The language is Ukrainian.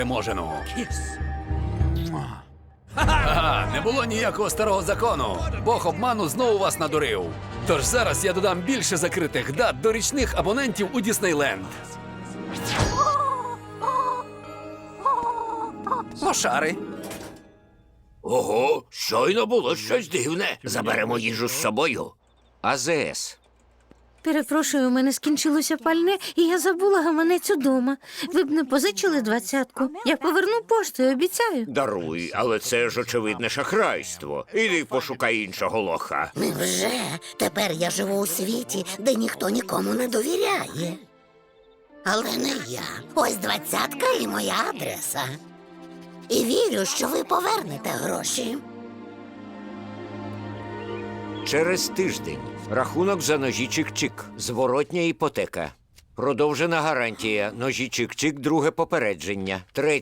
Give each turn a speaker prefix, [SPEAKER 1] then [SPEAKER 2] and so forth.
[SPEAKER 1] переможену. Ага, не було ніякого старого закону. Бог обману знову вас надурив. Тож зараз я додам більше закритих дат до річних абонентів у Діснейленд.
[SPEAKER 2] Лошари.
[SPEAKER 3] Ого, щойно було щось дивне. Заберемо їжу з собою.
[SPEAKER 2] АЗС.
[SPEAKER 4] Перепрошую, у мене скінчилося пальне, і я забула гаманець удома. Ви б не позичили 20-ку? Я поверну поштою, обіцяю.
[SPEAKER 3] Даруй, але це ж очевидне шахрайство. Іди пошукай іншого лоха.
[SPEAKER 5] Невже? Тепер я живу у світі, де ніхто нікому не довіряє. Але не я. Ось 20-ка і моя адреса. І вірю, що ви повернете гроші.
[SPEAKER 2] Через тиждень. Рахунок за ножі Чик-Чик. Зворотня іпотека. Продовжена гарантія. Ножі Чик-Чик, друге попередження.